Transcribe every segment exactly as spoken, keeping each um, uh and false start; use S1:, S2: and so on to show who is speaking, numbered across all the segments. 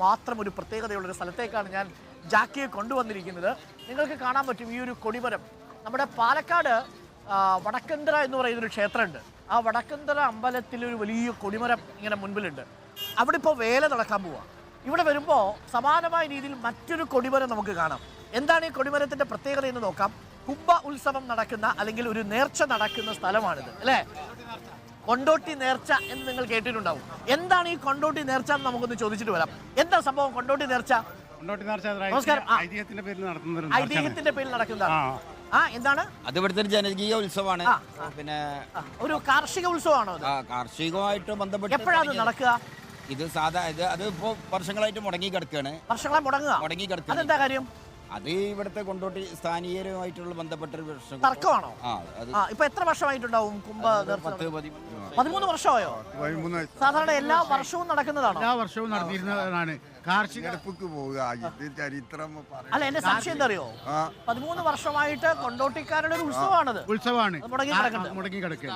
S1: മാത്രം ഒരു പ്രത്യേകതയുള്ളൊരു സ്ഥലത്തേക്കാണ് ഞാൻ ജാക്കിയെ കൊണ്ടുവന്നിരിക്കുന്നത്. നിങ്ങൾക്ക് കാണാൻ പറ്റും ഈ ഒരു കൊടിമരം. നമ്മുടെ പാലക്കാട് വടക്കന്തറ എന്ന് പറയുന്നൊരു ക്ഷേത്രമുണ്ട്. ആ വടക്കന്തറ അമ്പലത്തിലൊരു വലിയ കൊടിമരം ഇങ്ങനെ മുൻപിലുണ്ട്. അവിടെ ഇപ്പോൾ വേല നടക്കാൻ പോവുക. ഇവിടെ വരുമ്പോൾ സമാനമായ രീതിയിൽ മറ്റൊരു കൊടിമരം നമുക്ക് കാണാം. എന്താണ് ഈ കൊടിമരത്തിൻ്റെ പ്രത്യേകത എന്ന് നോക്കാം. കുംഭ ഉത്സവം നടക്കുന്ന അല്ലെങ്കിൽ ഒരു നേർച്ച നടക്കുന്ന സ്ഥലമാണിത് അല്ലേ? കൊണ്ടോട്ടി നേർച്ച എന്ന് നിങ്ങൾ കേട്ടിട്ടുണ്ടാവും. എന്താണ് ഈ കൊണ്ടോട്ടി നേർച്ച എന്ന് നമുക്കൊന്ന് ചോദിച്ചിട്ട് വരാം. എന്താ സംഭവം കൊണ്ടോട്ടി നേർച്ച? നമസ്കാരം.
S2: ഐതിഹ്യത്തിന്റെ പേരിൽ നടത്തുന്ന
S1: ഐതിഹ്യത്തിന്റെ പേരിൽ നടക്കുന്നതാണ്. ആ എന്താണ്
S3: അത്? ഇവിടുത്തെ ഒരു ജനകീയ ഉത്സവമാണ്. പിന്നെ
S1: ഒരു കാർഷിക ഉത്സവമാണോ അത്?
S3: കാർഷികമായിട്ട് ബന്ധപ്പെട്ട്
S1: എപ്പോഴാണ് നടക്കുക?
S3: ഇത് സാധാ ഇത് അത് ഇപ്പോ വർഷങ്ങളായിട്ട് മുടങ്ങി കിടക്കുകയാണ്.
S1: വർഷങ്ങളെ മുടങ്ങുക
S3: മുടങ്ങി കിടക്കുക.
S1: അതെന്താ കാര്യം?
S3: അത് ഇവിടുത്തെ കൊണ്ടോട്ടി സ്ഥാനീയരുമായിട്ടുള്ള ബന്ധപ്പെട്ട ഒരു പ്രശ്നം.
S1: തർക്കമാണോ?
S3: ആ അത്
S1: ഇപ്പൊ എത്ര വർഷമായിട്ടുണ്ടാവും കുംഭ?
S3: പത്ത്
S1: പതിമൂന്ന് വർഷമായോ? സാധാരണ എല്ലാ വർഷവും നടക്കുന്നതാണോ?
S2: എല്ലാ വർഷവും നടത്തിയിരുന്നതാണ്. കാർഷിക
S4: ചരിത്രം
S1: അല്ല, എന്റെ സംശയം എന്താ അറിയോ? പതിമൂന്ന് വർഷമായിട്ട് കൊണ്ടോട്ടിക്കാരുടെ ഒരു ഉത്സവമാണത്.
S2: ഉത്സവമാണ്
S1: മുടങ്ങി കിടക്കുന്നത്.
S2: മുടങ്ങി കിടക്കുക.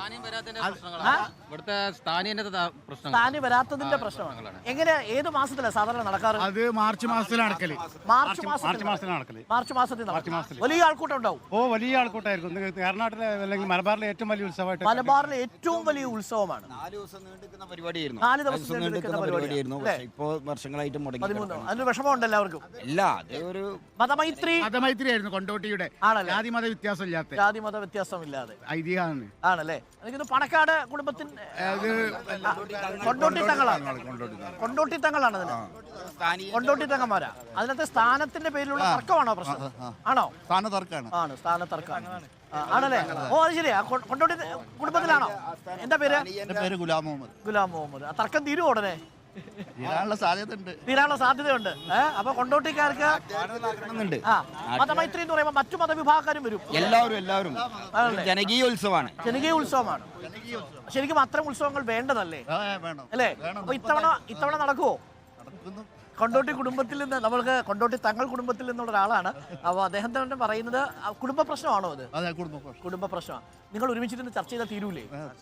S1: സ്ഥാനി വരാത്തതിന്റെ പ്രശ്നമാണ്. എങ്ങനെ ഏത് മാസത്തിലാണ് സാധാരണ നടക്കാറ്?
S2: അത് മാർച്ച് മാസത്തിൽ നടക്കല്.
S1: മാർച്ച്
S2: മാർച്ച് മാസത്തിൽ നടക്കല്.
S1: മാർച്ച് മാസത്തിൽ നടക്കും. വലിയ ആൾക്കൂട്ടം ഉണ്ടാവും.
S2: ഓ, വലിയ ആൾക്കൂട്ടായിരിക്കും. കർണാടകയിലെ അല്ലെങ്കിൽ മലബാറിലെ ഏറ്റവും വലിയ ഉത്സവമായിട്ട്.
S1: മലബാറിലെ ഏറ്റവും വലിയ ഉത്സവമാണ്.
S3: നാല് ദിവസം നീണ്ടുനിൽക്കുന്ന പരിപാടിയായിരുന്നു.
S1: നാല് ദിവസം നീണ്ടുനിൽക്കുന്ന
S3: പരിപാടിയായിരുന്നു. ഇപ്പോ വർഷങ്ങളായിട്ട് മുടങ്ങി.
S1: അതിന് വിഷമമുണ്ട് എല്ലാവർക്കും.
S3: ഇല്ല, അത് ഒരു
S1: മതമൈത്രി
S2: മതമൈത്രി ആയിരുന്നു കൊണ്ടോട്ടിയുടെ. ജാതി മത വ്യത്യാസം ഇല്ലാത്ത
S1: ജാതി മത വ്യത്യാസം ഇല്ലാതെ
S2: ഐതിഹ്യമാണ്.
S1: ആണല്ലേ? എനിക്ക് പാണക്കാട് കുടുംബത്തിന്റെ കൊണ്ടോട്ടി തങ്ങളാണ്. കൊണ്ടോട്ടി തങ്ങളാണ് അതിന്. കൊണ്ടോട്ടി തങ്ങന്മാരാ. അതിനകത്ത് സ്ഥാനത്തിന്റെ പേരിലുള്ള തർക്കമാണോ പ്രശ്നം? ആണോ?
S4: സ്ഥാന തർക്കമാണ്.
S1: ആണ്, സ്ഥാന തർക്കമാണ്. ആണല്ലേ? ഓ, അത് ശരിയാ. കൊണ്ടോട്ടി കുടുംബത്തിലാണോ? എന്താ പേര്?
S4: എന്റെ പേര് ഗുലാം മുഹമ്മദ്.
S1: ഗുലാം മുഹമ്മദ്. ആ തർക്കം തീരുമോ ഉടനെ?
S4: തീരാനുള്ള സാധ്യതയുണ്ട്.
S1: തീരാനുള്ള സാധ്യതയുണ്ട്. ഏഹ് അപ്പൊ കൊണ്ടോട്ടിക്കാർക്ക് ആ മതമൈത്രി എന്ന് പറയുമ്പോൾ മറ്റു മതവിഭാഗക്കാരും വരും.
S3: എല്ലാവരും എല്ലാവരും ജനകീയ ഉത്സവമാണ്.
S1: ജനകീയ ഉത്സവമാണ്. ശരിക്കും അത്തരം ഉത്സവങ്ങൾ വേണ്ടതല്ലേ? അല്ലേ? അപ്പൊ ഇത്തവണ ഇത്തവണ നടക്കുവോ? കൊണ്ടോട്ടി കുടുംബത്തിൽ നിന്ന് നമ്മൾക്ക് കൊണ്ടോട്ടി തങ്ങൾ കുടുംബത്തിൽ നിന്നുള്ള ഒരാളാണ്. അപ്പോൾ അദ്ദേഹം തന്നെ പറയുന്നത് കുടുംബ പ്രശ്നമാണോ അത്? കുടുംബ പ്രശ്നമാണ്. നിങ്ങൾ ഒരുമിച്ചിരുന്ന് ചർച്ച ചെയ്താൽ തീരൂലേ?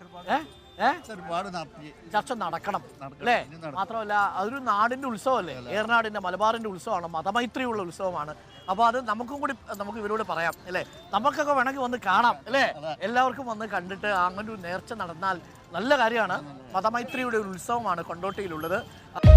S1: ചർച്ച നടക്കണം അല്ലേ? മാത്രമല്ല അതൊരു നാടിന്റെ ഉത്സവമല്ലേ? ഏറനാടിന്റെ മലബാറിന്റെ ഉത്സവമാണ്. മതമൈത്രിയുള്ള ഉത്സവമാണ്. അപ്പോൾ അത് നമുക്കും കൂടി നമുക്ക് ഇവരോട് പറയാം അല്ലേ? നമുക്കൊക്കെ വേണമെങ്കിൽ വന്ന് കാണാം അല്ലേ? എല്ലാവർക്കും വന്ന് കണ്ടിട്ട് അങ്ങനെ ഒരു നേർച്ച നടന്നാൽ നല്ല കാര്യമാണ്. മതമൈത്രിയുടെ ഒരു ഉത്സവമാണ് കൊണ്ടോട്ടിയിലുള്ളത്.